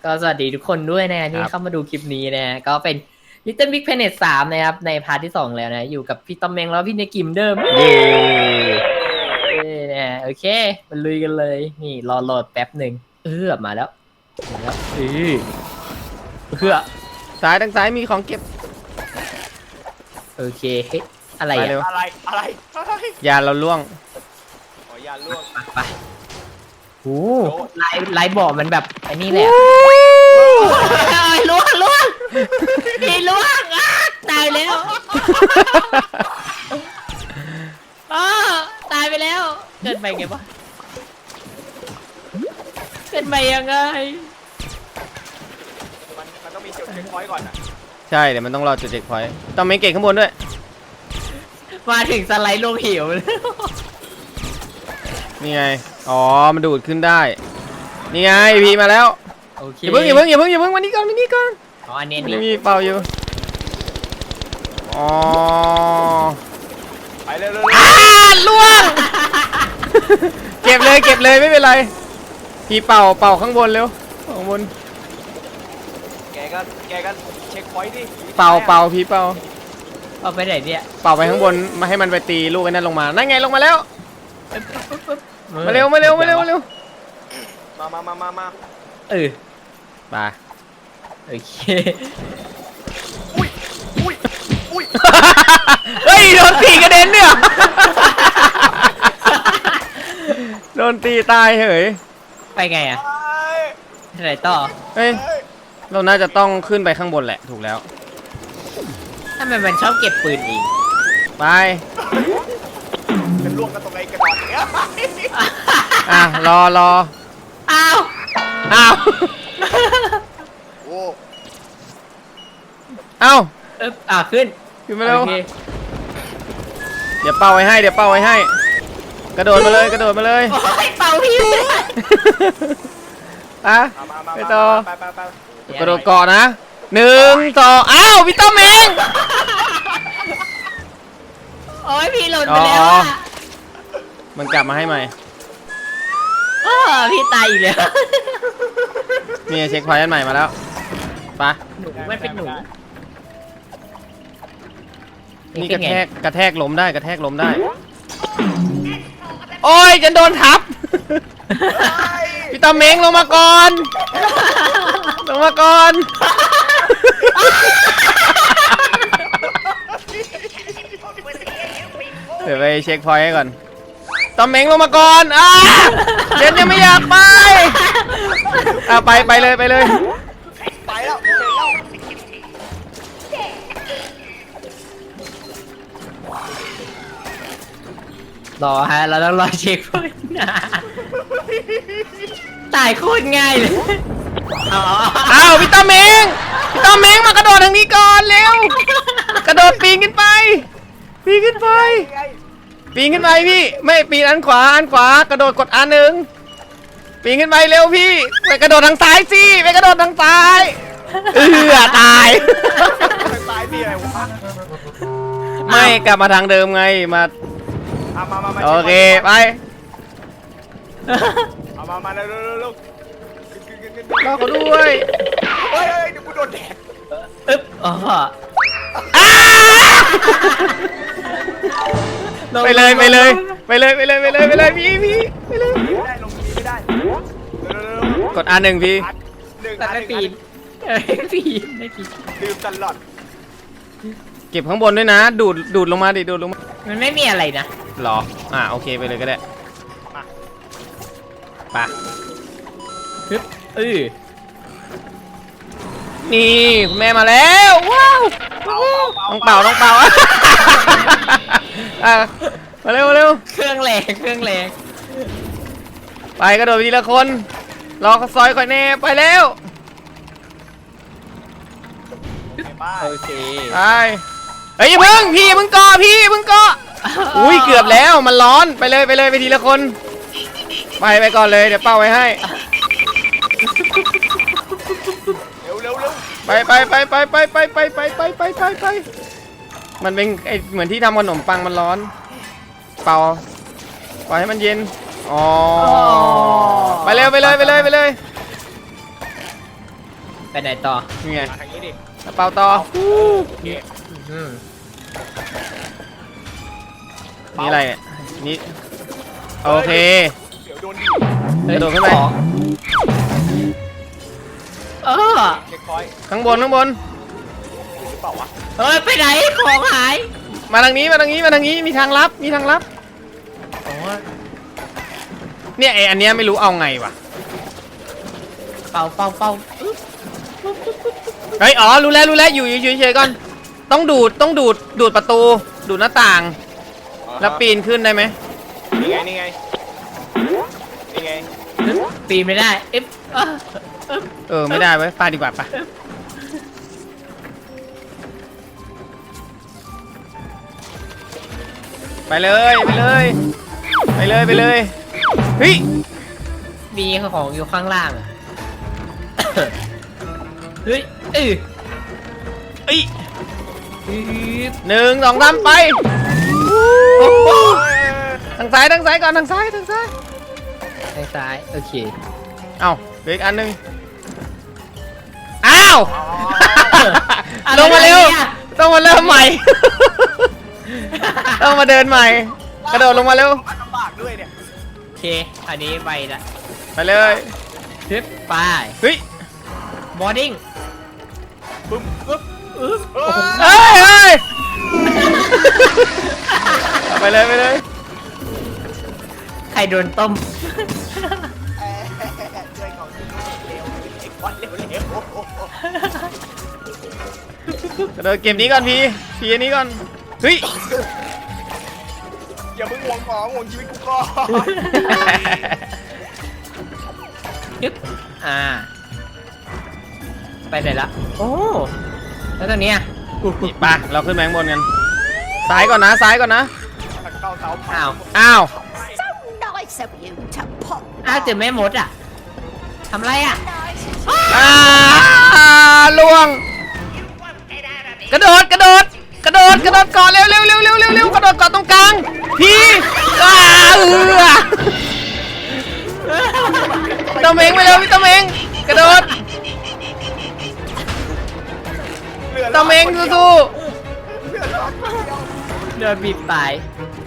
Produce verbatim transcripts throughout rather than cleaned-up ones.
ก็สวัสดีทุกคนด้วยนะที่เข้ามาดูคลิปนี้นะก็เป็น Little Big Planet สามนะครับในพาร์ทที่สองแล้วนะอยู่กับพี่ตอมเมงแล้วพี่เนกิมเดิมเย้เนี่ยโอเคมาลุยกันเลยนี่รอโหลดแป๊บหนึ่งเออมาแล้วมาแล้วเออเพื่อซ้ายทางซ้ายมีของเก็บโอเคเฮ้ยอะไรไปอะเร็วอะไรอะไรอะไรยาเราล่วงขออย่าล่วงไปโอ้ลายลายบ่อมันแบบไอ้นี่แหละล่วงล่วงนี่ล่วงอ่ะตายแล้วอ๋อตายไปแล้วเกิดไปไงวะเกิดไปยังไงมันมันต้องมีจุดเช็คพอยต์ก่อนอ่ะใช่เดี๋ยวมันต้องรอจุดเช็คพอยต์ต้องไม่เก่งข้างบนด้วยมาถึงสไลด์ลงเหวเลยนี่ไงอ๋อมันดูดขึ้นได้นี่ไงพีมาแล้วโอเคอย่าเพิ่งอย่าเพิ่งอย่าเพิ่งอย่าเพิ่งวันนี้ก่อนวันนี้ก่อนอ๋ออันนี้มันนี่ยังมีเป่าอยู่อ๋อไปเร็วเร็วอ่าล่วง เก็บเลยเก็บเลยไม่เป็นไรพีเป่าเป่าข้างบนเร็วข้างบนแกก็แกก็เช็คพอยต์ดิเป่าเป่าพีเป่าเอาไปไหนเนี่ยเป่าไปข้างบนมาให้มันไปตีลูกไอ้นั่นลงมานั่นไงลงมาแล้วมาเร็วมาเร็วมาเร็วมาเร็วมามามามามาเออไปโอเคอุ้ยอุ้ยอุ้ยเฮ้ยโดนตีกระเด็นเนี่ยโดนตีตายเหยไปไงอะไปไหนต่อเฮ้ยเฮ้ยเราน่าจะต้องขึ้นไปข้างบนแหละถูกแล้วทำไมมันชอบเก็บปืนเองไปเป็นล่วงกันตรงไหนกระดอนเนี้ยอ่ะรอรออ้าวอ้าวโอ้เอ้าเอ๊บอ่ะขึ้นขึ้นมาเร็วโอเคเดี๋ยวเป่าไว้ให้เดี๋ยวเป่าไว้ให้ กระโดดมาเลยกระโดดมาเลยโอ้ยเป่าพี่ไม่ได้อ่ะมามามาไปต่อไปไปไปกระโดดเกาะนะหนึ่งสองอ้าวพี่ต้อมเองโอ้ยพี่หล่นไปแล้วอ๋ออะมันกลับมาให้ใหม่เออพี่ตายอีกแล้วนี่เช็คพอยต์อันใหม่มาแล้วไปหนูมันเป็นหนูนี่กระแทกกระแทกล้มได้กระแทกล้มได้ โอ้ยจะโดนทับ พี่ตาเม้งลงมาก่อน ลงมาก่อน เดี๋ยวไปเช็คพอยต์ให้ก่อนตาเม้งลงมาก่อนอ่าเจนยังไม่อยากไปอ่ะไปไปเลยไปเลยไปแล้วเห็นแล้วรอฮะเราต้องรอเช็คพอยต์นะตายโคตรง่ายเลยอ๋ออ้าวพี่ตาเม้งพี่ตาเม้งมากระโดดทางนี้ก่อนเร็วกระโดดปีนขึ้นไปปีนขึ้นไปไงปีนขึ้นไปพี่ไม่ปีนอันขวาอันขวากระโดดกดอันหนึ่งปีนขึ้นไปเร็วพี่ไปกระโดดทางซ้ายสิไปกระโดดทางซ้ายเออตายทางซ้ายมีอะไรวะไม่กลับมาทางเดิมไงมาอ่ะมามามาโอเคไปเอามามาเร็วเร็วเร็วเร็วขึ้นขึ้นขึ้นขึ้นรอเขาด้วยเฮ้ยเฮ้ยเดี๋ยวกูโดนแดดอึ๊บอ๋ออ้าไปเลยไปเลยไปเลยไปเลยไปเลยไปเลยพี่พี่ไปเลยไม่ได้ลงทีไม่ได้เร็วเร็วเร็วเร็วกดอันหนึ่งพี่อัดหนึ่งแต่อันหไม่นึ่งปีอันนเอ้ยปีนไม่ปีนลืมตลอดเก็บข้างบนด้วยนะ ดูดดูดลงมาดิดูดลงมามันไม่มีอะไรนะหรออ่าโอเคไปเลยก็ได้มาไปฮึบเออนี่คุณแม่มาแล้วว้าว ต้องเป่าต้องเป่า อ่ะมาเร็วมาเร็วเครื่องแรงเครื่องแรงไปกระโดดไปทีละคน รอเขาซอยก่อนแน่ไปแล้วไปบ้านโอเคไปเฮ้ยอย่าเพิ่งพี่อย่าเพิ่งเกาะพี่อย่าเพิ่งเกาะอุ้ยเกือบแล้วมันร้อนไปเลยไปเลยไปทีละคน ไปไปก่อนเลยเดี๋ยวเป่าไว้ให้เร็วเร็วเร็วไปไปไปไปไปไปไปไปไปไปไปไปมันเป็นไอเหมือนที่ทำขนมปังมันร้อน เป่าปล่อยให้มันเย็นอ๋อไปเร็วไปเลยไปเลยไปเลยไปไหนต่อนี่ไงมาทางนี้ดิกระเป๋าต่อโอเคอืมนี่อะไรเนี่ยนี่โอเคเดี๋ยวโดนดิเฮ้ยกระโดดขึ้นไปของเออเช็คพอยต์ข้างบนข้างบนหรือเปล่าวะเฮ้ยไปไหนของหายมาทางนี้มาทางนี้มาทางนี้มีทางลับมีทางลับโอ้ยเนี่ยไออันเนี้ยไม่รู้เอาไงวะเป่าเป่าเป่าอึ๊บเฮ้ยอ๋อรู้แล้วรู้แล้วอยู่อยู่เฉยๆก่อนต้องดูดต้องดูดดูดประตูดูดหน้าต่าง แล้วปีนขึ้นได้ไหมนี่ไงนี่ไงนี่ไงปีนไม่ได้เอ๊ะเอ้อเออไม่ได้ไว้ยไปดีกว่าปะไปเลยไปเลยไปเลยไปเลยเฮ้ยมีของอยู่ข้างล่างอะ เฮ้ยเอ้ยเอ้ยอึ๊บหนึ่งสองสามไปโอ้โหทางซ้ายทางซ้ายก่อนทางซ้ายทางซ้ายทางซ้ายโอเคเอ้าเหลืออีกอันหนึ่งอ้าวอะไรลงมาเร็วเนี่ยต้องมาเริ่มใหม่ ต้องมาเดินใหม่ กระโดดลงมาเร็วลำบากด้วยเนี่ยโอเคอันนี้ไปละไปเลยทึบไปเฮ้ยบอร์ดิ้งบึ้มบึ้มอึ๊บเออเฮ้ยเฮ้ยเอาไปเลยไปเลยใครโดนต้มช่วยของเร็วไอ้ควันเร็วเร็วกระโดดเกมนี้ก่อนพี่พี่อันนี้ก่อนเฮ้ยอย่าเพิ่งห่วงของห่วงชีวิตกูก่อนยึบอ่า ไปไหนละโอ้แล้วตรงเนี้ยนี่ไปเราขึ้นแบงบนกันซ้ายก่อนนะซ้ายก่อนนะเข้าเตาเผาอ้าวอ้าว So nice of you to pop อ้าวเจอแม่มดอ่ะทำไรอ่ะ nice. อ่าล่วง กระโดดกระโดดกระโดดกระโดดก่อนเร็วเร็วเร็วเร็วเร็วเร็วกระโดดก่อนตรงกลางพี่อ้าเอือตอมเองไปเร็วพี่ตอมเองกระโดดตอมเองสู้เดินบีบตาย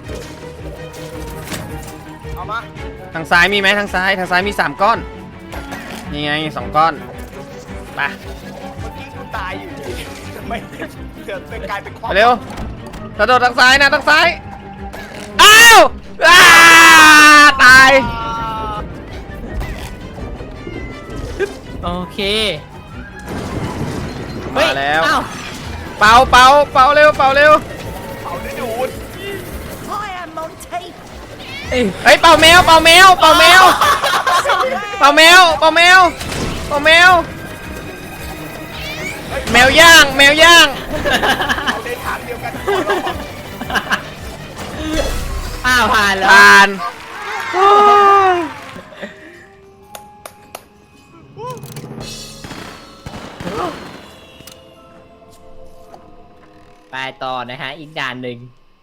เอามาๆทางซ้ายมีไหมทางซ้ายทางซ้ายมีสามก้อนนี่ไงสองก้อนไปเมื่อกี้กูตายอยู่ดีทำไมเกิดเป็นกลายเป็นความไปเร็วกระโดดทางซ้ายนะทางซ้ายอ้าวอ้าตายโอเคมาแล้วเฮ้ยอ้าวเป่าเป่าเป่าเร็วเป่าเร็วเผาได้ดูด Hiya, Monty. เอ้ยเฮ้ยเป่าแมวเป่าแมวเป่าแมวเป่าแมวเป่าแมวเป่าแมวแมวย่างแมวย่างเอาในทางเดียวกันอ้าวผ่านแล้วผ่านโอ้ยไปต่อนะฮะ อีกด่านหนึ่ง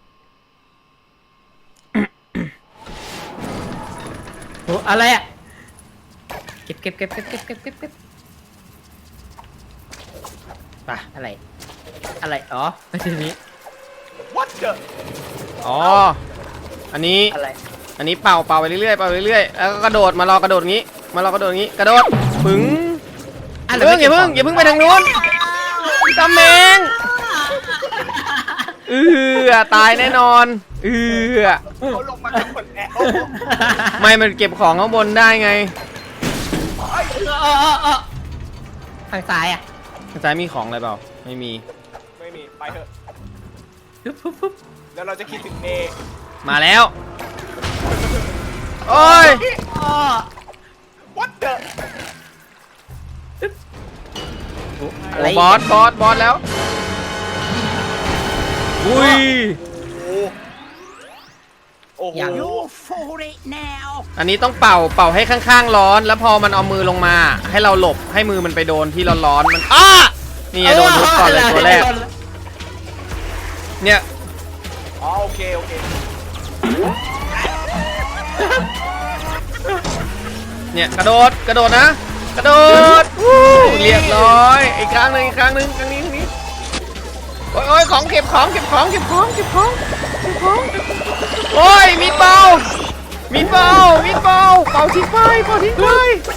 โหอะไรอ่ะ เก็บเก็บเก็บเก็บเก็บเก็บเก็บเก็บไปอะไร อะไร อ๋อทีนี้วัดเจออ๋ออันนี้อะไรอันนี้เป่าเป่าไปเรื่อยๆเป่าไปเรื่อยๆแล้วก็กระโดดมารอกระโดดงี้มารอกระโดดงี้กระโดดปึ้งอ่ะเพิ่งอย่าเพิ่งอย่าเพิ่งไปทางนู้นตำแมงเออตายแน่นอนเออเขาลงมากันหมดแล้วไม่มันเก็บของข้างบนได้ไงเออเออเออทางซ้ายอ่ะทางซ้ายมีของอะไรเปล่าไม่มีไม่มีไปเถอะปุ๊บปุ๊บปุ๊บแล้วเราจะคิดถึงเนมาแล้วโอ้ยอ้อวัดเจออะไรโอ้บอสบอสบอสแล้วอุ้ยโอ้โห You're for it now. อันนี้ต้องเป่าเป่าให้ข้างๆร้อน แล้วพอมันเอามือลงมา ให้เราหลบให้มือมันไปโดนที่ร้อนๆมันอ้านี่ไงโดนทุบก่อนเลยตัวแรกเนี่ยอ๋อโอเคโอเคเนี่ยกระโดดกระโดดนะ กระโดดวู้เรียบร้อของเก็บของเก็บของเก็บของเก็บของเก็บของโอ้ยมีดเบามีดเบามีดเบาเป่าทิ้งไปเป่าทิ้งไป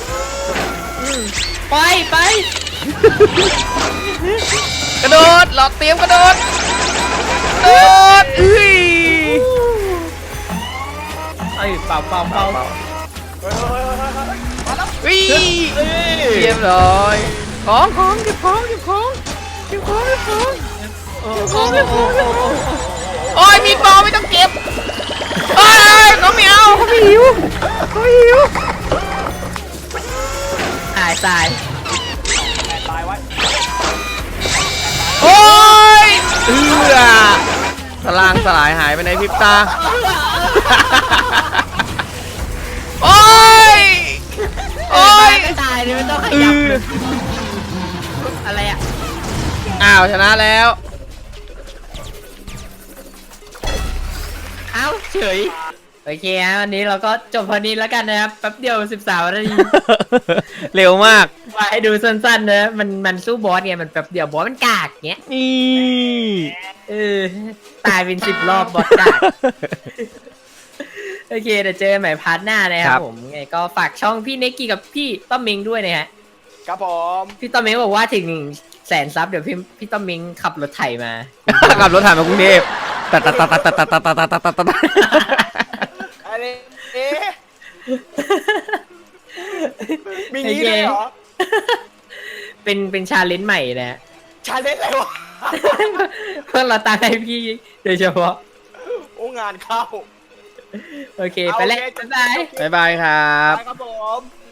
ไปไปกระโดดหลอกเตรียมกระโดดกระโดดเอ้ยเอ้ยเป่าเป่าเป่าเฮ้ยเฮ้ยเฮ้ยเฮ้ยมาแล้ววิ่งเรียบร้อยของของเก็บของเก็บของเก็บของเก็บของโอ้โหโอ้โหโอ้โหโอ้ยมีดเบาไม่ต้องเก็บโอ้ยเขาไม่เอาเขาไม่หิวเขาหิวตายตายตายไว้โอ้ยเอือสลางสลายหายไปในพริบตาโอ้ยโอ้โอ้ยยไม่ตายเลยไม่ต้องขเอยับอเลยอะไรอ่ะอ้าวชนะแล้วเอ้าเฉยโอเคฮะวันนี้เราก็จบพอนี้แล้วกันนะครับแป๊บเดียวสิบสามนาทีเร็วมากมาให้ดูสั้นๆนะมันมันสู้บอสไงมันแป๊บเดียวบอสมันกากเงี้ยนี่เออตายเป็นสิบรอบบอสกาก โอเคเดี๋ยวเจอกันใหม่พาร์ทหน้านะครับผมไงก็ฝากช่องพี่เนกกี้กับพี่ต้อมมิงด้วยนะฮะครับผมพี่ต้อมมิงบอกว่าถึงแสนซับเดี๋ยวพี่พี่ต้อมมิงขับรถไถมาขับรถถ่ายมากรุงเทพตัดตัดตัดตัดตัดตัดตัดตัดตัดตัดตัดอะไรเอ๊ะมีงี้ด้วยเหรอเป็นเป็นชาเลนจ์ใหม่นะชาเลนจ์อะไรวะเพื่อเราตามให้พี่โดยเฉพาะโอ้งานเข้าโอเค ไปแล้วโอเคบ๊ายบายบ๊ายบายครับไปครับผม